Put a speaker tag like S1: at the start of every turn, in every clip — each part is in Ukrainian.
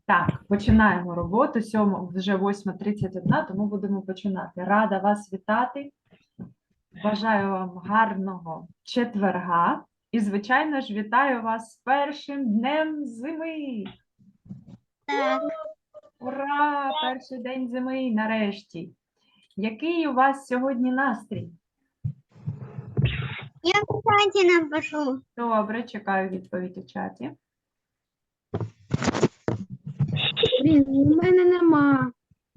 S1: Так, починаємо роботу. Вже 8:31, тому будемо починати. Рада вас вітати. Бажаю вам гарного четверга. І, звичайно ж, вітаю вас з першим днем зими.
S2: Так.
S1: Ура! Перший день зими нарешті. Який у вас сьогодні настрій?
S2: Я в чаті напишу.
S1: Добре, чекаю відповідь у чаті.
S3: Блін, у мене нема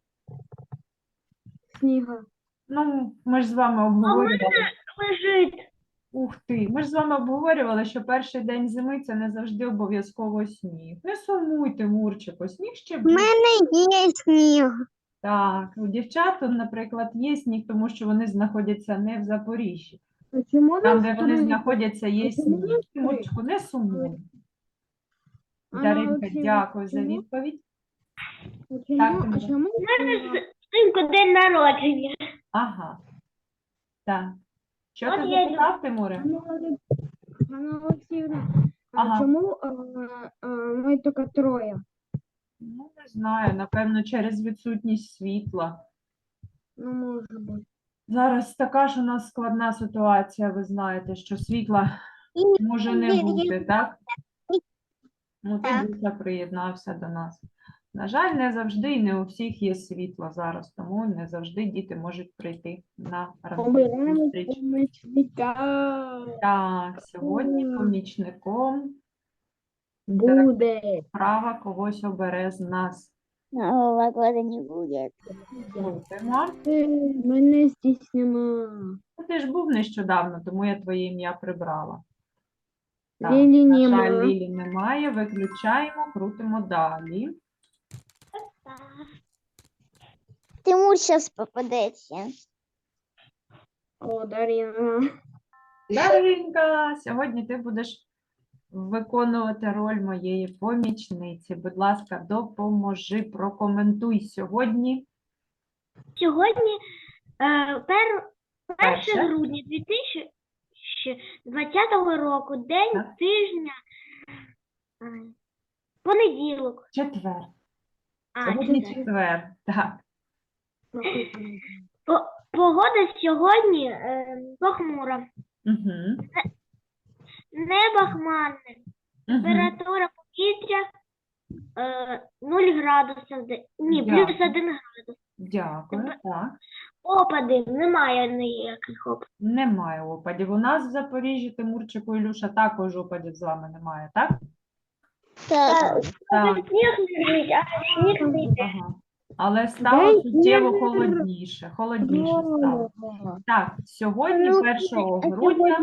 S3: снігу.
S1: Ну, ми ж з вами обговорювали.
S2: Лежить.
S1: Ух ти, ми ж з вами обговорювали, що перший день зими – це не завжди обов'язково сніг. Не сумуйте, Мурчику, сніг ще
S2: У
S1: буде.
S2: мене є сніг.
S1: Так, у дівчат, наприклад, є сніг, тому що вони знаходяться не в Запоріжжі.
S3: А чому
S1: Там, де
S3: нас
S1: вони
S3: три?
S1: знаходяться, є
S3: А чому
S1: сніг.
S3: нас три?
S1: Мурчику, не сумуй.
S3: Анна
S1: Даринка,
S3: Олексіївна,
S1: дякую за
S3: чому?
S1: відповідь.
S3: А
S1: Так,
S3: чому? А
S1: Тимур.
S3: чому?
S2: Синку день народження.
S1: Ага, так. Що
S2: От
S1: ти
S2: я
S1: запитав, Тимуре?
S3: Анна Олексіївна,
S1: Ага.
S3: а чому ми тільки троє?
S1: Ну, не знаю, напевно, через відсутність світла.
S3: Ну, може бути.
S1: Зараз така ж у нас складна ситуація, ви знаєте, що світла може не бути, так? Ну, ти
S2: Так.
S1: Буся приєднався до нас. На жаль, не завжди і не у всіх є світло зараз, тому не завжди діти можуть прийти на ранкову
S3: Обираємо
S1: зустріч.
S3: помічника.
S1: Так, сьогодні помічником
S3: Буде.
S1: права когось обере з нас.
S2: Нового года не буде.
S1: Слухаємо.
S3: Мене стіснямо.
S1: Ну, ти ж був нещодавно, тому я твоє ім'я прибрала. Так,
S3: Лілі
S1: на жаль,
S3: нема.
S1: Лілі немає. Виключаємо, крутимо далі.
S2: Тимур зараз попадеться.
S3: О, Дарина.
S1: Даринка, сьогодні ти будеш виконувати роль моєї помічниці. Будь ласка, допоможи, прокоментуй сьогодні.
S2: Сьогодні 1
S1: Перше.
S2: грудня 2020 року, день
S1: Так.
S2: тижня, понеділок.
S1: Четвер.
S2: А,
S1: Сьогодні
S2: четвер.
S1: четвер. Так.
S2: Погода сьогодні похмура.
S1: Угу.
S2: Небо хмарне.
S1: Угу.
S2: Температура повітря 0 градусів. Ні,
S1: Дякую.
S2: плюс 1 градус.
S1: Дякую. Так.
S2: Опадів немає ніяких опадів.
S1: Немає опадів. У нас в Запоріжжі, Тимурчику, Ілюша, також опадів з вами немає, так?
S2: Так.
S1: Так.
S2: Сніг лежить, а сніг не йде.
S1: Ага. Але стало суттєво холодніше. Холодніше стало. Так, сьогодні, 1 грудня,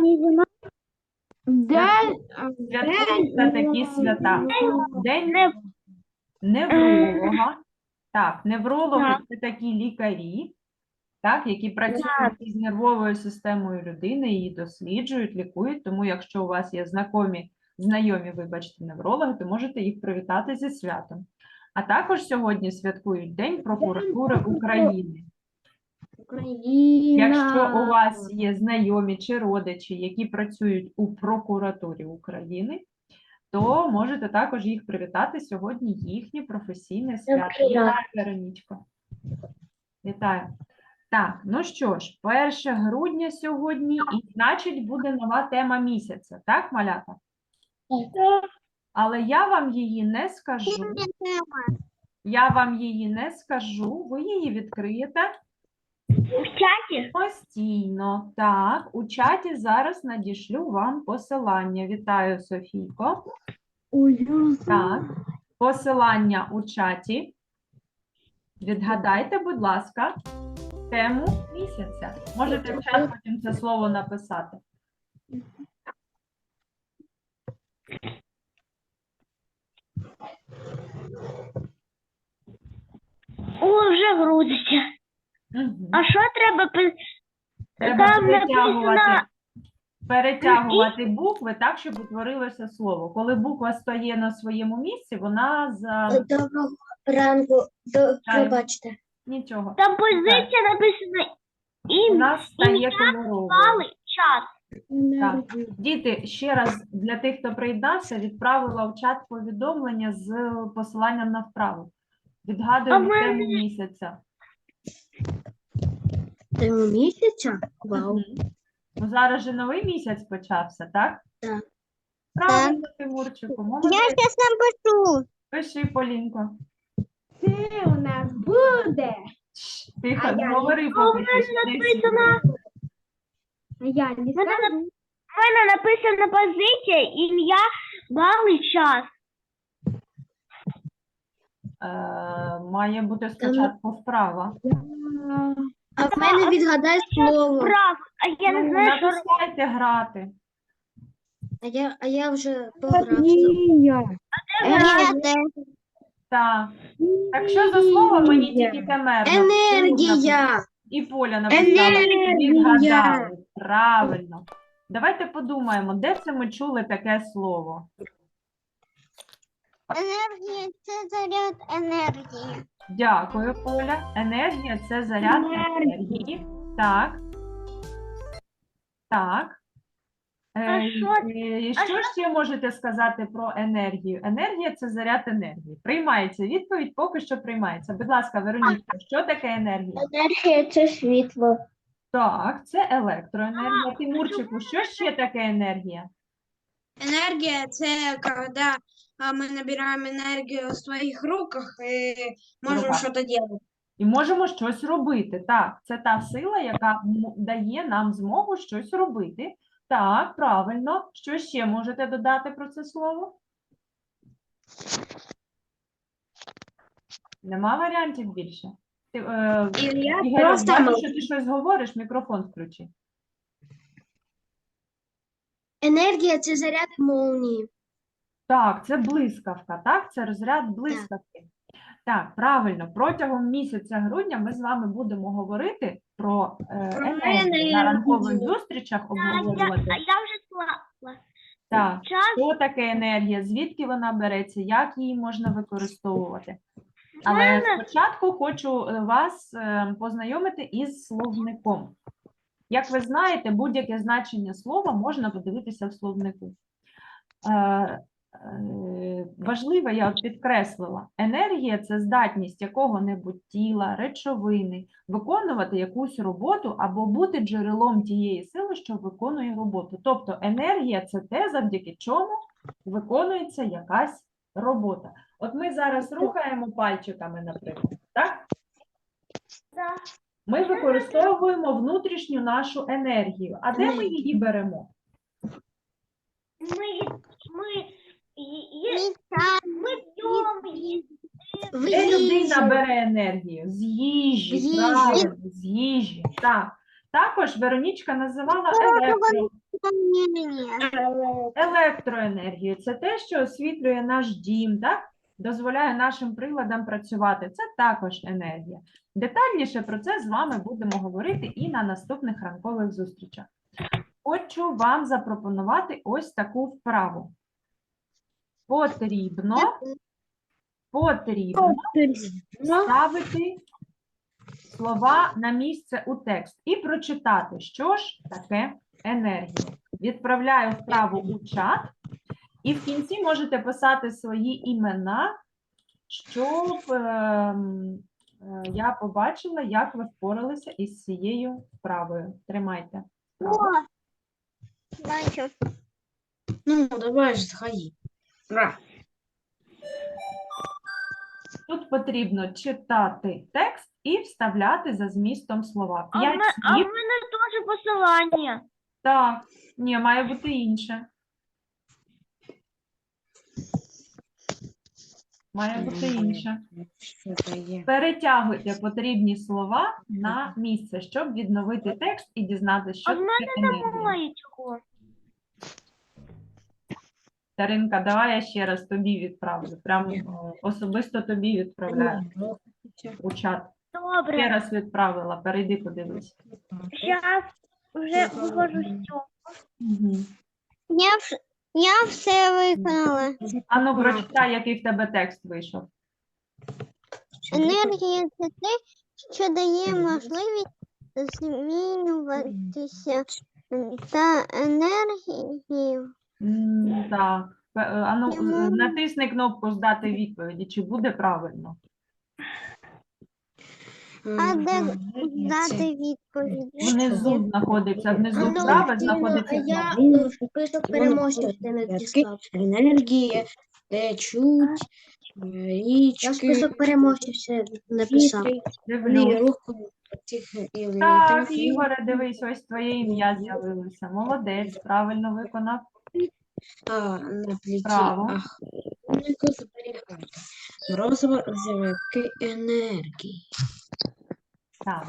S1: святкуються такі свята. День невролога. Так, неврологи – це такі лікарі, так, які працюють із нервовою системою людини, її досліджують, лікують. Тому якщо у вас є знайомі, вибачте, неврологи, то можете їх привітати зі святом. А також сьогодні святкують День прокуратури України. Якщо у вас є знайомі чи родичі, які працюють у прокуратурі України, то можете також їх привітати сьогодні, їхнє професійне свято. Вітаю, Веронічко. Вітаю. Так, ну що ж, 1 грудня сьогодні, і значить буде нова тема місяця, так, малята? Але я вам її не скажу. Ви її відкриєте
S2: В чаті?
S1: постійно. Так, у чаті зараз надішлю вам посилання. Вітаю, Софійко. Так, посилання у чаті. Відгадайте, будь ласка, тему місяця. Можете в чат потім це слово написати.
S2: О, вже грузиться.
S1: Угу.
S2: А що треба
S1: Треба
S2: там написано?
S1: перетягувати букви так, щоб утворилося слово. Коли буква стає на своєму місці, вона
S2: Доброго ранку,
S1: пробачте. Нічого.
S2: Там позиція написана
S1: У нас стає кольоровою.
S2: час.
S3: Енергія.
S1: Діти, ще раз для тих, хто приєднався, відправила в чат повідомлення з посиланням на вправу. Відгадуємо тему місяця.
S2: Тему місяця? Вау.
S1: Мгм. Ну, зараз же новий місяць почався, так?
S2: Так.
S1: Правильно, Тимурчику, молодець.
S2: зараз напишу.
S1: Пиши, Полінко.
S3: Це у нас буде.
S1: Тихо,
S3: А
S1: не
S3: я
S1: говори поки що. Десь
S3: А я не скажу.
S2: У мене написана позиція, ім'я, бал і час.
S1: має бути спочатку вправа.
S2: А в мене відгадай слово. Прав. А я не
S1: Ну,
S2: знаю, що
S1: натискайте грати.
S2: А я вже пограв.
S3: Енергія.
S1: Так. Так що за слово мені тільки камерно?
S2: Енергія.
S1: І Поля написала.
S2: Енергія.
S1: Відгадали. Правильно. Давайте подумаємо, де це ми чули таке слово?
S2: Енергія – це заряд енергії.
S1: Дякую, Поля. Енергія – це заряд енергії. Так. Так. Що ще можете сказати про енергію? Енергія – це заряд енергії. Приймається відповідь, поки що приймається. Будь ласка, Вероніка, що таке енергія?
S2: Енергія – це світло.
S1: Так, це електроенергія. Тимурчику, що ще таке енергія?
S4: Энергия – это когда мы набираем энергию в своих руках и можем
S1: Руках.
S4: что-то делать.
S1: І можемо щось робити. Так, це та сила, яка дає нам змогу щось робити. Так, правильно. Що ще можете додати про це слово? Нема варіантів більше? Ти,
S4: я
S1: Ігор,
S4: просто
S1: бачу,
S4: мовчу.
S1: що ти щось говориш, мікрофон включи.
S2: Енергія – це заряд молнії.
S1: Так, це блискавка, так? Це розряд блискавки. Так, правильно. Протягом місяця грудня ми з вами будемо говорити про енергію. На ранкових зустрічах обговорювати.
S2: Я вже склала.
S1: Так,
S2: Час.
S1: що таке енергія, звідки вона береться, як її можна використовувати. Але спочатку хочу вас познайомити із словником. Як ви знаєте, будь-яке значення слова можна подивитися в словнику. Важливо, я от підкреслила, енергія – це здатність якого-небудь тіла, речовини, виконувати якусь роботу або бути джерелом тієї сили, що виконує роботу. Тобто енергія – це те, завдяки чому виконується якась робота. От ми зараз рухаємо пальчиками, наприклад, так? Ми використовуємо внутрішню нашу енергію. А де ми її беремо? Де людина бере енергію? З їжі,
S2: З їжі.
S1: правильно, з їжі. Так. Також Веронічка називала електроенергію. Це те, що освітлює наш дім, так? Дозволяє нашим приладам працювати. Це також енергія. Детальніше про це з вами будемо говорити і на наступних ранкових зустрічах. Хочу вам запропонувати ось таку вправу. Потрібно ставити слова на місце у текст і прочитати, що ж таке енергія. Відправляю вправу у чат, і в кінці можете писати свої імена, щоб я побачила, як ви впоралися із цією вправою. Тримайте.
S4: Ну, давай же, сходи. Ура.
S1: Тут потрібно читати текст і вставляти за змістом слова.
S2: А в
S1: 5
S2: мене
S1: слів.
S2: теж посилання.
S1: Так, ні, має бути інше. Має бути інше. Перетягуйте потрібні слова на місце, щоб відновити текст і дізнатися, що
S2: А в
S1: таке енергія.
S2: Немає цього.
S1: Таринка, давай я ще раз тобі відправлю. Прямо особисто тобі відправляю у чат. Ще
S2: Добре.
S1: раз відправила, перейди, подивись.
S2: Зараз вже виходжу з цього.
S1: Угу.
S2: Я все виконала.
S1: Ану, прочитай, який в тебе текст вийшов.
S2: Енергія – це те, що дає можливість змінюватися Та енергію.
S1: Так. Ану, натисни кнопку «Здати відповіді», чи буде правильно.
S2: А де
S4: Енергія
S2: дати
S4: це-
S2: відповідь?
S1: Внизу знаходиться, внизу
S2: Ну,
S1: справа знаходиться
S5: я
S1: кнопка.
S5: список переможців не натискав.
S4: Енергія течуть
S5: Я
S4: річки.
S5: список переможців все написав.
S1: Дивлюсь.
S4: Руху цих
S1: Так, Ігоре, дивись, ось твоє ім'я з'явилося. Молодець, правильно виконав.
S4: на пліті.
S1: Право.
S4: Хмельнику зберігати. Морозиво зірки енергії.
S1: Так.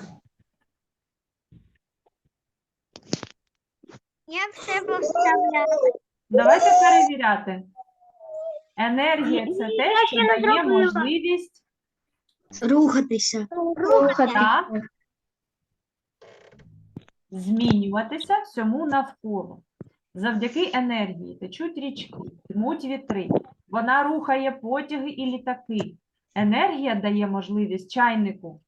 S2: Я все поставляла.
S1: Давайте перевіряти. Енергія – це те, що дає можливість
S5: Рухатися.
S1: так, змінюватися всьому навколо. Завдяки енергії течуть річки, дмуть вітри. Вона рухає потяги і літаки. Енергія дає можливість чайнику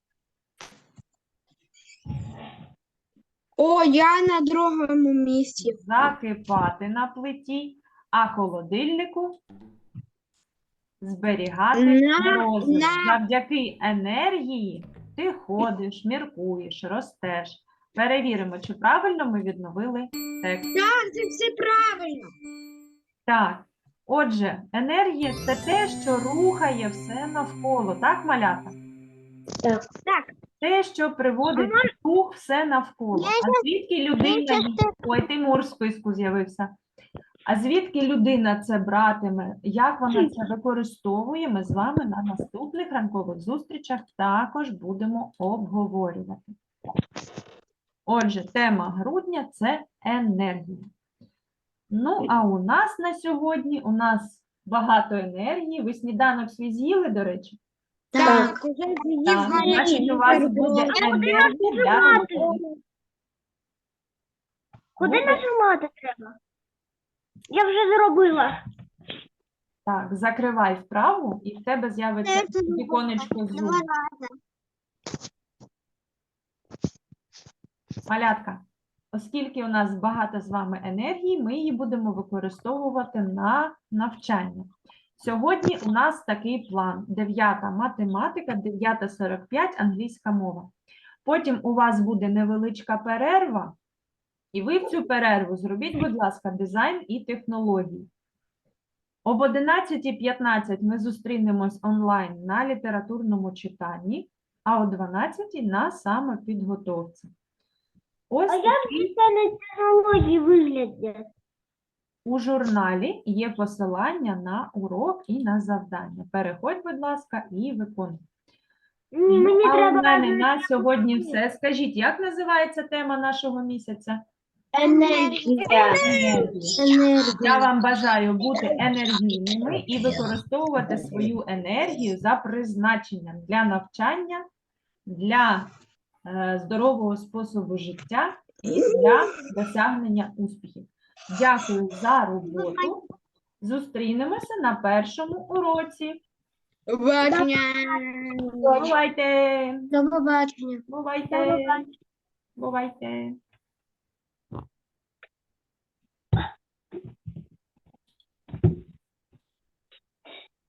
S4: О, я на другому місці.
S1: закипати на плиті, а холодильнику зберігати морозиво. Завдяки енергії ти ходиш, міркуєш, ростеш. Перевіримо, чи правильно ми відновили текст.
S4: Так, це все правильно.
S1: Так, отже, енергія – це те, що рухає все навколо. Так, малята?
S5: Так.
S1: Те, що приводить в рух все навколо. А звідки людина... Ой, Тимур в списку з'явився. А звідки людина це братиме, як вона це використовує, ми з вами на наступних ранкових зустрічах також будемо обговорювати. Отже, тема грудня – це енергія. Ну, а у нас на сьогодні, багато енергії. Ви сніданок свій з'їли, до речі?
S4: Так, уже
S1: Так, значить, у вас буде енергія для роботи.
S2: Куди нажимати треба? Я вже зробила.
S1: Так, закривай вправу, і в тебе з'явиться віконечко Zoom. Малятка, оскільки у нас багато з вами енергії, ми її будемо використовувати на навчання. Сьогодні у нас такий план. 9 математика, 9:45 англійська мова. Потім у вас буде невеличка перерва, і ви в цю перерву зробіть, будь ласка, дизайн і технології. Об 11:15 ми зустрінемось онлайн на літературному читанні, а о 12:00 на самопідготовці. Ось
S2: А як
S1: такий
S2: це на технології виглядять?
S1: у журналі є посилання на урок і на завдання. Переходь, будь ласка, і виконуй.
S2: Ні, мені
S1: А у
S2: треба...
S1: мене на сьогодні все. Скажіть, як називається тема нашого місяця?
S5: Енергія.
S1: Енергія. Я вам бажаю бути енергійними і використовувати свою енергію за призначенням для навчання, для здорового способу життя і для досягнення успіхів. Дякую за роботу. Зустрінемося на першому уроці.
S4: Побачення.
S1: Бувайте!
S5: До побачення.
S1: Бувайте! Бувайте!